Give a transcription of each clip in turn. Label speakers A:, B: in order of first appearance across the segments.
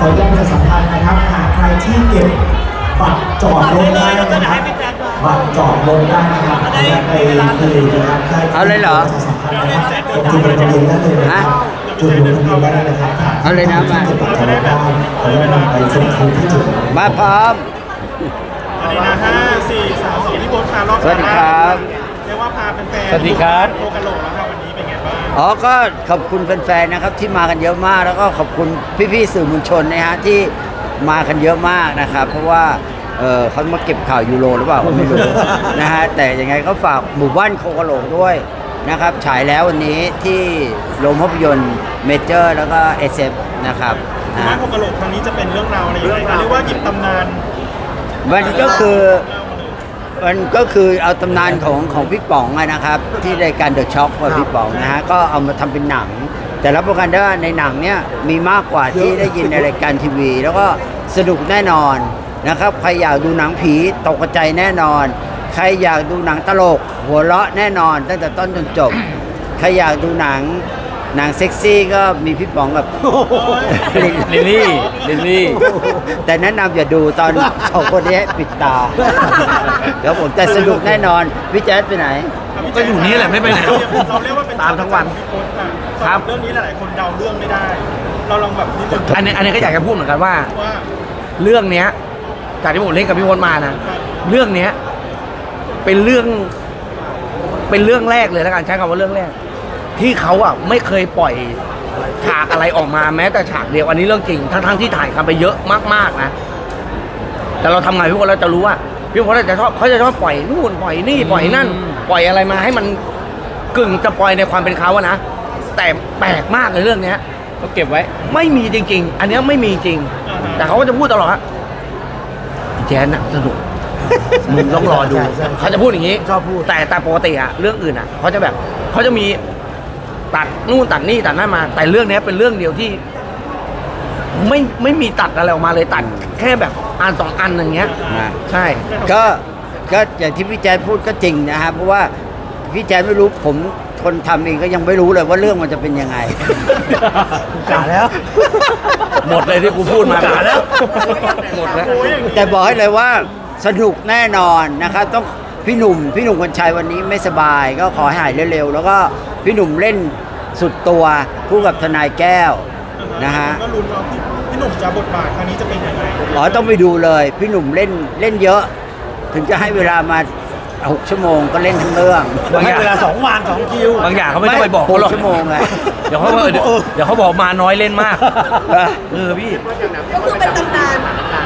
A: ออนุญาตประชาสัมพันธ์นะครับหากใครที่เก็บบัตรจอดรถได้นะครับบัตรจอดรถได้นะครับไปคืนนะครับ
B: เอาเลยเหรอ
A: จุดลงทะเบียนได้เลยนะครับจุดลงทะเบียนได้เลยนะครับ
B: เอาเลยนะมา
A: เก็บบัตรจอดรถได้ขออนุญาตนำไปส่งคืนที่จุด
B: มาพร้อม
C: สวัสดีนะ5 4 3 2พี่โบ๊ทพารอบ
B: สวัสดีครับ
C: เรียกว่าพาแฟนๆ
B: สวัสดีครับ
C: โคกะโหลกแล้วครับวันนี้เป็นไงบ้าง
B: อ๋อก็ขอบคุณแฟนๆนะครับที่มากันเยอะมากแล้วก็ขอบคุณพี่ๆสื่อมวลชนนะฮะที่มากันเยอะมากนะครับเพราะว่าเขามาเก็บข่าวยูโรหรือเปล่าก็ไม่รู้ นะฮะแต่ยังไงก็ฝากหมู่บ้านโคกะโหลกด้วยนะครับฉายแล้ววันนี้ที่โรงภาพยนตร์เมเจอร์แล้วก็เอสเอฟนะครับ
C: บ้านโคกะโหลกครั้งนี้จะเป็นเรื่องราวอะไรยังไงเรียกว่าหยิบตำนาน
B: มันก็คือเอาตำนานของพี่ป๋องนะครับที่รายการเดอะช็อคกับพี่ป๋องนะฮะก็เอามาทำเป็นหนังแต่รับประกันได้ว่าในหนังเนี้ยมีมากกว่าที่ได้ยินในรายการทีวีแล้วก็สนุกแน่นอนนะครับใครอยากดูหนังผีตกใจแน่นอนใครอยากดูหนังตลกหัวเราะแน่นอนตั้งแต่ต้นจนจบใครอยากดูหนังเซ็กซี่ก็มีพี่ป๋องกับลิลลี่แต่แนะนำอย่าดูตอนสองคนนี้ให้ปิดตาแล้วผมแต่สนุกแน่นอนพี่แจ๊ดไปไหน
D: ก็อยู่นี่แหละไม่ไปไหน
C: เราเรียกว่าเป็น
D: ตามทั้งวัน
C: ครับเรื่องนี้หลายคนเดาเรื่องไม่ได้เราลองแบบนิดนึง
D: อันนี้ก็อยากจะพูดเหมือนกันว่าเรื่องเนี้ยจากที่ผมเล่นกับพี่พลมานะเรื่องเนี้ยเป็นเรื่องแรกเลยแล้วกันใช้คำว่าเรื่องแรกที่เขาไม่เคยปล่อยฉากอะไรออกมาแม้แต่ฉากเดียวอันนี้เรื่องจริงทั้งที่ถ่ายกันไปเยอะมากๆนะแต่เราทำไงพี่พลเราจะรู้ว่าพี่พลเขาจะชอบปล่อยนู่นปล่อยนี่ปล่อยนั่นปล่อยอะไรมาให้มันกึ่งจะปล่อยในความเป็นเขาอะนะแต่แปลกมากเลยเรื่องเนี้ย
B: เขาเก็บไว้
D: ไม่มีจริงๆอันนี้ไม่มีจริงแต่เขาก็จะพูดตลอดว่าแจ๊นน่ะสนุกมึงต้องรอดูเขาจะพูดอย่างนี้
A: ชอบพูด
D: แต่ปกติเรื่องอื่นเขาจะมีตัดนู่นตัดนี่ตัดนั่นมาแต่เรื่องนี้เป็นเรื่องเดียวที่ไม่มีตัดอะไรออกมาเลยตัดแค่แบบอันสองอันอย่างเงี้ยใช่
B: ก็อย่างที่พี่แจ๊ดพูดก็จริงนะครับเพราะว่าพี่แจ๊ดไม่รู้ผมคนทำเองก็ยังไม่รู้เลยว่าเรื่องมันจะเป็นยังไง
D: กะแล้วหมดเลยที่กูพูดมากะแล้วหมดแล้ว
B: แต่บอกให้เลยว่าสนุกแน่นอนนะครับต้องพี่หนุ่มคนชัยวันนี้ไม่สบายก็ขอให้หายเร็วๆแล้วก็พี่หนุ่มเล่นสุดตัวคู่กับทนายแก้วนะฮะ
C: ก็ลุ้นว่าพี่หนุ่มจะบทบาทครั้งนี้จะเป็นยังไง
B: ต้องไปดูเลยพี่หนุ่มเล่นเยอะถึงจะให้เวลามา6 ชั่วโมงก็เล่นทั้งเรื่อง
D: ให้เวลา2 วัน 2 คิวบางอย่างเขาไม่ต้องไปบอกเขาหรอก
B: ชั่วโมงไง
D: เดี๋ยวเขาบอกมาน้อยเล่นมากพี่
E: ก็คือเป็นตำนาน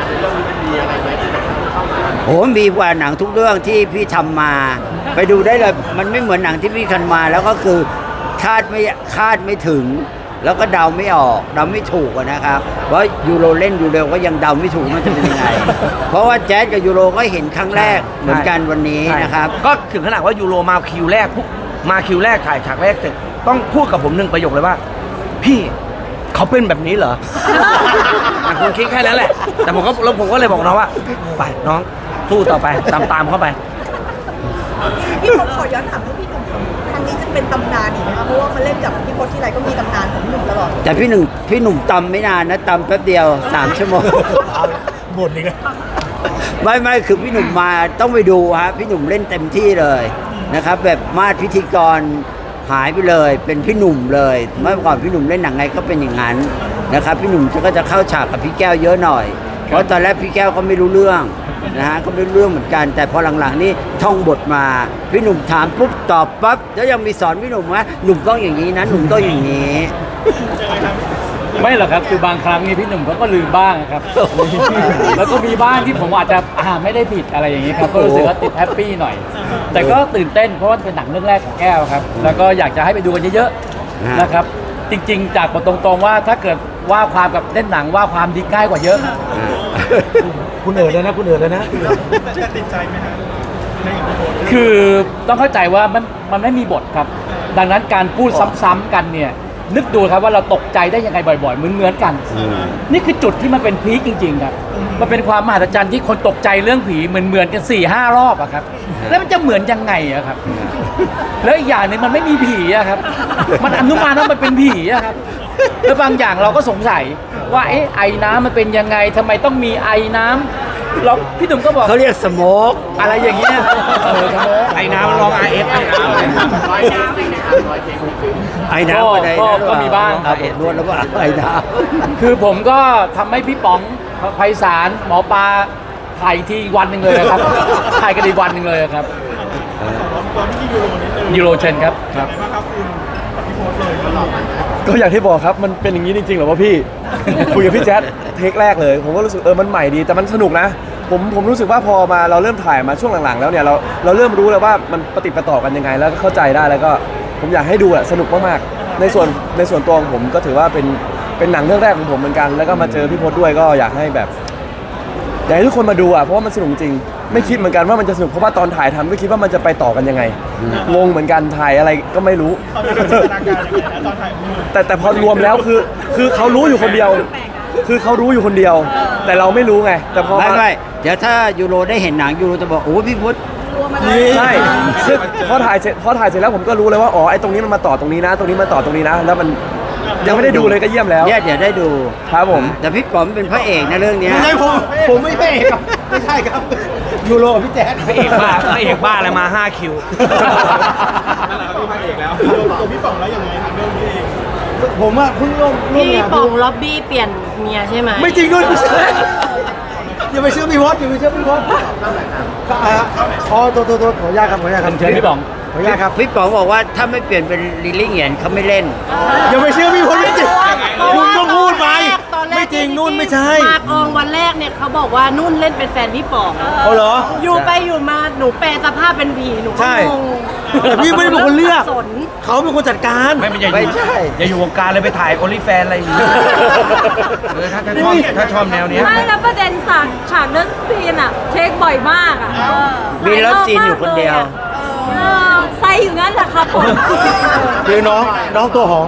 B: โอ้มีกว่าหนังทุกเรื่องที่พี่ทำมาไปดูได้เลยมันไม่เหมือนหนังที่พี่ทำมาแล้วก็คือคาดไม่ถึงแล้วก็เดาไม่ออกเดาไม่ถูกนะครับเพราะยูโรเล่นยูโรก็ยังเดาไม่ถูกมันจะเป็นยังไงเพราะว่าแจ๊สกับยูโรก็เห็นครั้งแรกเหมือนกันวันนี้นะครับ
D: ก็ถึงขนาดว่ายูโรมาคิวแรกถ่ายฉากแรกเสร็จต้องพูดกับผม1 ประโยคเลยว่าพี่เขาเป็นแบบนี้เหรอคุณคิดแค่นั้นแหละแต่ผมก็เลยบอกน้องว่าไปน้องสู้ต่อไปตามเข้าไป
E: พี่พลขอย้อนถามว่าพี่หนุ่มครั้งนี้จะเป็นตำนานอีกไหมคะเพราะว่ามันเล่นกับพี่พลที่ไรก็มีตำนานของพี่หนุ่มตลอด
B: แต่พี่หนุ่มตำไม่นานนะตำแป๊บเดียว3 ชั่วโมง
D: หมดเลย
B: ไม่คือพี่หนุ่มมาต้องไปดูฮะพี่หนุ่มเล่นเต็มที่เลยนะครับแบบมาดพิธีกรหายไปเลยเป็นพี่หนุ่มเลยเมื่อก่อนพี่หนุ่มเล่นหนังไงก็เป็นอย่างนั้นนะครับพี่หนุ่มก็จะเข้าฉากกับพี่แก้วเยอะหน่อยเพราะตอนแรกพี่แก้วก็ไม่รู้เรื่องนะฮะก็ไม่รู้เรื่องเหมือนกันแต่พอหลังๆนี่ท่องบทมาพี่หนุ่มถามปุ๊บตอบปั๊บแล้วยังมีสอนพี่หนุ่มว่าหนุ่มต้องอย่างนี้นะหนุ่มต้องอย่างนี้
F: ไม่หรอกครับคือบางครั้งนี่พี่หนุ่มเขาก็ลืมบ้างครับแล้วก็มีบ้างที่ผมอาจจะไม่ได้ผิดอะไรอย่างนี้ครับก็รู้สึกว่าติดแฮปปี้หน่อยแต่ก็ตื่นเต้นเพราะว่าเป็นหนังเรื่องแรกของแก้วครับแล้วก็อยากจะให้ไปดูกันเยอะๆนะครับจริงๆจากบทตรงๆว่าถ้าเกิดว่าความกับเล่นหนังว่าความดีง่ายกว่าเยอะ
D: คุณเอ๋เลยนะ
C: จะติดใจไหมฮะ
F: คือต้องเข้าใจว่ามันไม่มีบทครับดังนั้นการพูดซ้ำๆกันเนี่ยนึกดูครับว่าเราตกใจได้ยังไงบ่อยๆเหมือนกันนี่คือจุดที่มันเป็นพีคจริงๆครับมันเป็นความมหัศจรรย์ที่คนตกใจเรื่องผีเหมือนกัน 4-5 รอบอะครับแล้วมันจะเหมือนยังไงอะครับแล้วอีกอย่างนึงมันไม่มีผีอะครับมันอนุมานว่ามันเป็นผีอะครับแล้วบางอย่างเราก็สงสัยว่าเอ๊ะไอ้น้ำมันเป็นยังไงทำไมต้องมีไอ้น้ำเราพี่หนุ่มก็บอก
B: เขาเรียกสโมก
F: อะไรอย่างเงี้ยสโมก
D: ไอ้น้ำลอง RS ไอ้น้ำ
B: ไอ้น้ำอะไร
F: ก็มีบ้างครับ
B: เอ็ดนวดแล้วก็ไอ้น้ำ
F: คือผมก็ทำให้พี่ป๋องไพศาลหมอปลาถ่ายทีวันหนึ่งเลยครับ ถ่ายกันอีกวันหนึ่งเลยครับ
C: ตอนที่ยูโรนิดนึง
F: ยูโรเชนครับ
C: เป็นไงบ้างครับคุณกับพี่โพสเลยตลอด
G: ก็อย่างที่บอกครับมันเป็นอย่างนี้จริงๆเหรอวะพี่ คุยกับพี่แจ๊ดเทคแรกเลย ผมก็รู้สึกมันใหม่ดีแต่มันสนุกนะ ผมรู้สึกว่าพอมาเราเริ่มถ่ายมาช่วงหลังๆแล้วเนี่ยเราเริ่มรู้แล้วว่ามันปฏิดประต่อกันยังไงแล้วก็เข้าใจได้แล้วก็ผมอยากให้ดูอะสนุกมากๆในส่วนตัวของผมก็ถือว่าเป็นหนังเรื่องแรกของผมเหมือนกันแล้วก็มาเจอพี่พจน์ด้วยก็อยากให้แบบอยากให้ทุกคนมาดูอะเพราะว่ามันสนุกจริงไม่คิดเหมือนกันว่ามันจะสนุกเพราะว่าตอนถ่ายทำไม่คิดว่ามันจะไปต่อกันยังไงงงเหมือนกันถ่ายอะไรก็ไม่รู้
C: ตอนนี้จินตนาการยังไงนะตอนถ่ายมือ
G: แต่พอรวมแล้วคือเขารู้อยู่คนเดียว คือเขารู้อยู่คนเดียว แต่เราไม่รู้ไง แต่พอ
B: ไม่เดี๋ยวถ้ายูโรได้เห็นหนังยูโรจะบอกโอ้พี่พุทธ
G: ใช่ซึ่งพอถ่ายเสร็จแล้วผมก็รู้เลยว่าอ๋อไอ้ตรงนี้มันมาต่อตรงนี้นะ ตรงนี้มาต่อตรงนี้นะ แล้วมันยังไม่ได้ดูเลยก็เยี่ยมแล้ว
B: เนี่ยเดี๋ยวได้ดู
G: ครับผม
B: แต่พี่ป๋อมเป็นพระเอกนะเรื่องเนี้ย
G: ไม่ใช่ผมไม่ใช่ครับไม่ใช่ครับยูโรกับพี่แจ๊ด
D: พระเอกบ้าอะไรมา5คิว
C: นั่นแหละครับพี่พระเอกแล้วตัวพี่ป๋องแล้วยังไงครับเรื่องนี้เอง
G: ผมว่าเพิ่งร่วม
H: พี่
G: งาน
H: ป๋องล็อบบี้เปลี่ยนเมียใช่ไหม
G: ไม่จริงด้วยอย่าไปเชื่อพี่พจน์อย่าไปเชื่อพี่พจน์อ๋อตัวขออนุญาตครับขออนุญาตครับ
F: เชิญพี่ป๋อง
G: ขออนุญาตครับ
B: พี่ป๋องบอกว่าถ้าไม่เปลี่ยนเป็นลิลลี่เหงียนเขาไม่เล่น
G: อย่าไปเชื่อพี่พจน์ไม่จริงคุณต้องพูดไป
H: ตอนแรก
G: ไม่จริงนู่นไม่ใช่
H: มากองวันแรกเนี่ยเขาบอกว่านุ่นเล่นเป็นแฟนพี่ป๋อง
G: เอาเหรอ
H: อยู่ไปอยู่มาหนูแปลสภาพเป็นผีหนูก็
G: ใช่
H: งง
G: แต่พี่ไม่ได้เป็นคนเลือก
H: สน
G: เขาเป็นคนจัดการ
B: ไม่ใช่
D: อย่าอยู่วงการเลยไปถ่ายโอลิแฟนอะไรอย่างเงี้ยถ้าชอบแนวเนี้ย
I: ไม่แล้วประเด็นฉากเลิฟซีนอะเทคบ่อยมากอะ
B: มีเลิฟซีนอยู่คนเดียว
I: ใส่อยู่งั้นแหละครับผม
G: คือน้องตัวหอม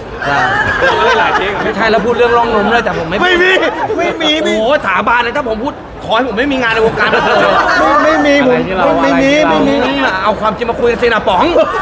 D: ไม่ใช่แล้วพูดเรื่องร่องนมเลยแต่ผมไม่
G: ไม่มี
D: โอ้โหถาบานเลยถ้าผมพูดขอให้ผมไม่มีงานในวงการบันเทิงเลย
G: ไม่มีผม
F: อะไรที่เรา
G: ไม่มี
F: อะไรที่
G: ไม่
F: เรา
G: มี
D: เอาความจริงมาคุยกันสินะป๋อง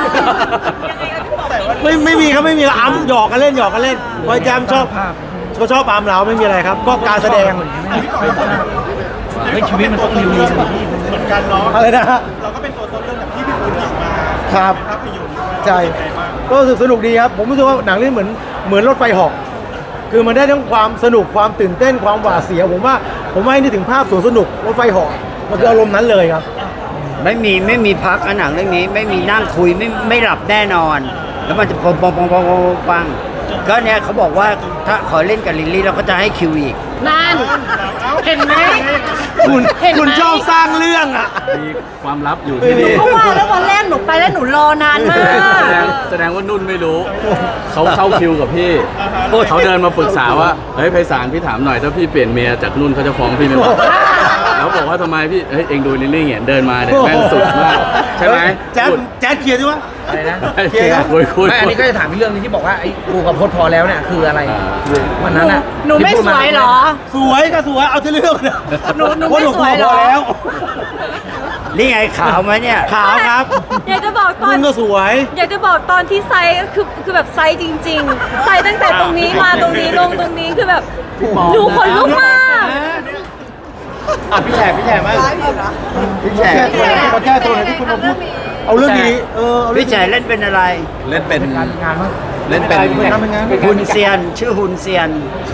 G: ไม่มีครับไม่มีอ้ำหยอกกันเล่นพอยแจมชอบก็ชอบปามเราไม่มีอะไรครับ ก็การแสดง
D: ไม่ชีวิตมันต้องมี
C: เหมือนกันเนาะ
G: อะไรนะฮะ
C: เราก็เป็นตัวต้นเรื่องแบบที่พี่พูดหยิบมา
G: ครับ
C: ภาพยนตร์ด้วย
G: ใช่
C: เป็นไงบ้าง
G: ก็รู้สึกสนุกดีครับ ผมรู้สึกว่าหนังเรื่องเหมือนรถไฟเหาะคือมันได้ทั้งความสนุกความตื่นเต้นความหวาดเสียวผมว่าให้นึกถึงภาพสวนสนุกรถไฟเหาะมันคืออารมณ์นั้นเลยครับ
B: ไม่มีพักหนังเรื่องนี้ไม่มีนั่งคุยไม่หลับแน่นอน แล้วมันจะปังก็เนี่ยเขาบอกว่าถ้าขอเล่นกับลิลลี่เราก็จะให้คิวอีก
H: นั่น เห็นไหม
G: คุณชอบสร้างเรื่องอ่ะ
F: มีความลับอยู่ที่นี่
H: เพราะว่าแล้ววันแรกหนูไปแล้วหนูรอนานมาก
F: แสดงว่านุ่นไม่รู้ เขาเข้าคิวกับพี่เขาเดินมาปรึกษาว่าเฮ้ยไพศาลพี่ถามหน่อยถ้าพี่เปลี่ยนเมียจากนุ่นเขาจะฟ้องพี่ไหมวะแล้วบอกว่าทำไมพี่เฮ้ยเองดูลิลลี่เนี่ยเดินมาเนี่ยแม่งสุดมากใช่ไหม
G: แจ๊ดเคลียร์ดิวะ
D: อะไรนะ
F: คุย
D: ไม่อันนี้ก็จะถามอีกเรื่องนึงที่บอกว่าไอ้กูกับพจน์พอแล้วเนี่ยคืออะไรวันนั้นอ่ะ
H: หนูไม่สวยเหรอ
G: สวยก็สวยเอาที่เรื่องนะ
H: หนูไม่สวยเหรอ
G: พอแล้ว
B: นี่ไงขาวไหมเนี่ย
G: ขาวครับ
I: อยากจะบอกตอน
G: คุณก็สวย
I: อยากจะบอกตอนที่ไซส์คือแบบไซส์จริงๆ ไซส์ตั้งแต่ตรงนี้มาตรงนี้ลงตรงนี้คือแบบดูขนลุกมาก
G: พี่แฉกมาก
E: ร้ายอยู่นะ
B: พี่แฉ
G: มาแก้ตัวหน่อยที่คุณมาพูดเอาเรื่องนี้เอาเรื่
B: พี่แฉเล่นเป็นอะไร
J: เล่นเป็น
G: งานมั้ง
J: เล่นเป็น
G: เป็นงาน
B: ฮุนเซียนชื่อฮุนเซียน
J: ใช่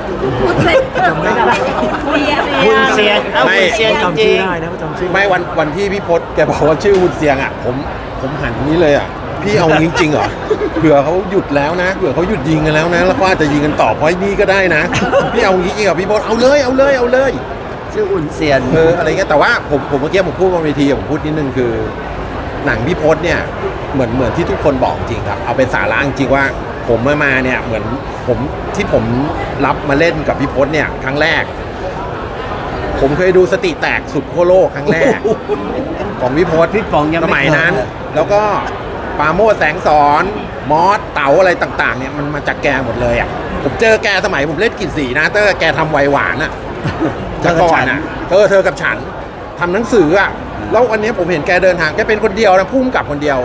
B: ฮุนเซียนเอา
J: ไม่
B: ฮุนเซียนจ
G: จำ
B: ริ
G: ชื่อง ได้นะจำชื่อ
J: ไม่วันที่พี่พศแกบอกว่าชื่อวุนเซียงอ่ะผมหันนี้เลยอ่ะพี่เอาจริงๆเหรอเผื่อเขาหยุดแล้วนะเผื่อเขาหยุดยิงกันแล้วนะแล้วก็อาจจะยิงกันต่อเพราะไอ้นี่ก็ได้นะพี่เอาจริงๆกับพี่พศเอาเลย
B: ชื่อฮุนเซียน
J: อะไรเงี้ยแต่ว่าผมเมื่อกี้ผมพูดบนเวทีผมพูดนิดนึงคือ หนังพี่พศเนี่ยเหมือนที่ทุกคนบอกจริงครับเอาเป็นสาระจริงว่าผมมาเนี่ยเหมือนผมรับมาเล่นกับพี่พศเนี่ยครั้งแรก ผมเคยดูสติแตกสุดขั้วโลกครั้งแรก ของพี่พศ
B: พี่ป๋องยังไม่
J: สมัยนั้น
B: เคย
J: แล้วก็ปราโมชแสงสอนมอสเต๋าอะไรต่างๆเนี่ยมันมาจากแกหมดเลยอ่ะผมเจอแกสมัยผมเล่นกลิ่นสีนะเตอร์แกทำไวหวานอ่ะจากก่อนอ่ะเธอกับฉันทำหนังสืออ่ะแล้ววันนี้ผมเห็นแกเดินทางแกเป็นคนเดียวนะพุ่มกับคนเดียว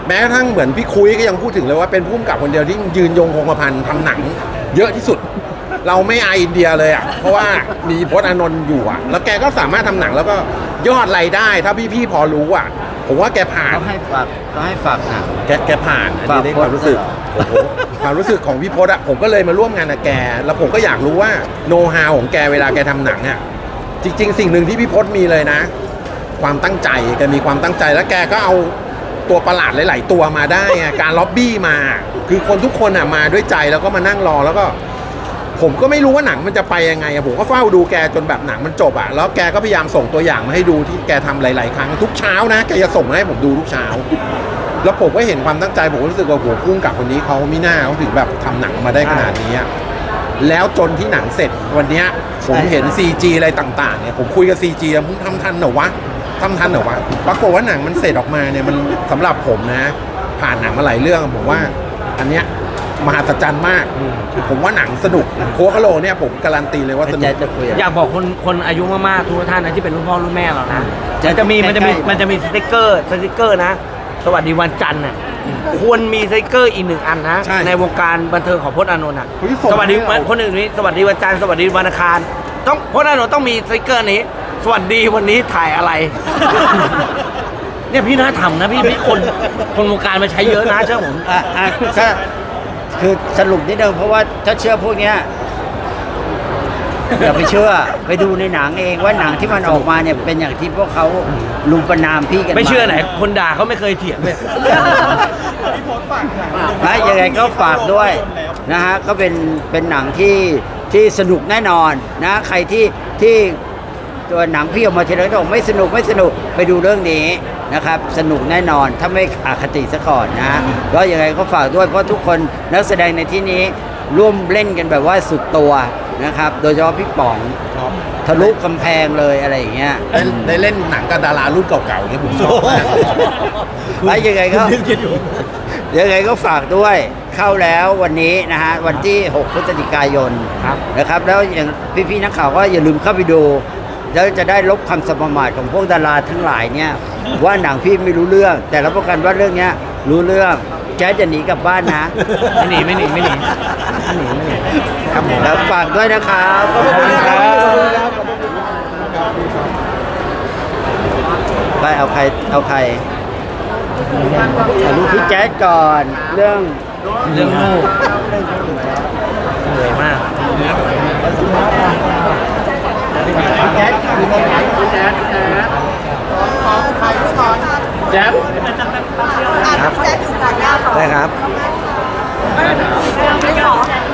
J: แม้กระทั่งเหมือนพี่คุยก็ยังพูดถึงเลยว่าเป็นผู้กำกับคนเดียวที่ยืนยงคงกระพันทำหนังเยอะที่สุด เราไม่อายอินเดียเลยอ่ะเพราะว่ามีพจน์อานนท์อยู่อ่ะแล้วแกก็สามารถทำหนังแล้วก็ยอดรายได้ถ้าพี่ๆพอรู้อ่ะผมว่าแกผ่าน
B: เขาให้ฝากหนัง
J: แกผ่านอันนี้ได้ความรู้สึกโอ้โหความรู้สึกของพี่พจน์อะผมก็เลยมาร่วมงานกับแก แล้วผมก็อยากรู้ว่าโน้ตฮาวของแกเวลาแกทำหนังอะจริง ๆ สิ่งหนึ่งที่พี่พจน์มีเลยนะ ความตั้งใจแกมีความตั้งใจแล้วแกก็เอาตัวประหลาดหลาย ๆ ตัวมาได้ไงการล็อบบี้มา คือคนทุกคนอะมาด้วยใจแล้วก็มานั่งรอแล้วก็ ผมก็ไม่รู้ว่าหนังมันจะไปยังไงอะผมก็เฝ้าดูแกจนแบบหนังมันจบอะแล้วแกก็พยายามส่งตัวอย่างมาให้ดูที่แกทำหลาย ๆ ครั้งทุกเช้านะแกจะส่งมาให้ผมดูทุกเช้า แล้วผมก็เห็นความตั้งใจผมก็รู้สึกว่าโหพุ่งกับคนนี้เขาไม่น่าเขาถึงแบบทำหนังมาได้ขนาดนี้อะแล้วจนที่หนังเสร็จวันเนี้ยผมเห็น CG อะไรต่าง ๆ เนี่ยผมคุยกับ CG อะมึงทำทันเหรอวะทำทันเหรอวะปรากฏว่าหนังมันเสร็จออกมาเนี่ยมันสำหรับผมนะ ผ่านหนังมาหลายเรื่องผมว่าอันเนี้ยมหัศจรรย์มากผมว่าหนังสนุกโคกะโลเนี่ยผมการันตีเลยว่าสนุก
D: อยากบอกคนอายุมากๆทุกท่านนะที่เป็นรุ่นพ่อรุ่นแม่เรานะ
B: จะ
D: มันจะมีสติ๊กเกอร์นะ สวัสดีวันจันทร์น่ะควรมีสติ๊กเกอร์อีกหนึ่งอันนะ
J: ใช่
D: ในวงการบันเทิงของพจน์อานนท์อ่ะ
J: เฮ้ยส่ง
D: สวัสดี
J: ให้เรา
D: คนอื่นนี้สวัสดีวันจันทร์สวัสดีวันอังคารต้องพจน์อานนท์ต้องมีสติ๊กเกอร์นี้ สวัสดีวันนี้ถ่ายอะไร เนี่ยพี่น่าทำนะพี่คนวงการมาใช้เยอะนะเชื่อผม
B: ก็คือสรุปนิดนึงเพราะว่าถ้าเชื่อพวกเนี้ยอย่าไปเชื่อไปดูในหนังเองว่าหนังที่มันออกมาเนี่ยเป็นอย่างที่พวกเขาลุมประนามพี่กัน
D: ไม่เชื่อไหนคนด่าเขาไม่เคยเถียงเลย
C: พี่โพสต์ฝากหนัง
B: นะยังไงก็ฝากด้วยนะฮะก็เป็นหนังที่สนุกแน่นอนนะใครที่ตัวหนังพี่ออกมาทีไรก็บอกไม่สนุกไปดูเรื่องนี้นะครับสนุกแน่นอนถ้าไม่อคติซะก่อนนะก็ยังไงก็ฝากด้วยเพราะทุกคนนักแสดงในที่นี้ร่วมเล่นกันแบบว่าสุดตัวนะครับโดยเฉพาะพี่ป๋องทะลุกำแพงเลยอะไรอย่างเงี้ย
J: ได้เล่นหนังกับดารารุ่นเก่าๆเนี่ยผมชอบมาก
B: ไอ้ยังไงก็ฝากด้วยเข้าแล้ววันนี้นะฮะวันที่ 6 พฤศจิกายนนะครับแล้วอย่างพี่ๆนักข่าวก็อย่าลืมเข้าไปดูแล้วจะได้ลบคำสมมาทของพวกดาราทั้งหลายเนี่ยว่าหนังพี่ไม่รู้เรื่องแต่รับประกันว่าเรื่องเนี้ยรู้เรื่องแจ๊ดจะหนีกลับบ้านนะไม่หนีครับผมแล้วฝากด้วยนะครับขอบคุณครับไปเอาใครถ่ายรูปพี่แจ๊ดก่อนเรื่อง
D: ลู
B: ลูก
D: เหนื่อยมาก
B: พี่แจ๊ด
D: แจ๊บ
E: แจ๊ดอยู่ก่อนหน้า
D: ได้ครับ
E: ไม่ขอ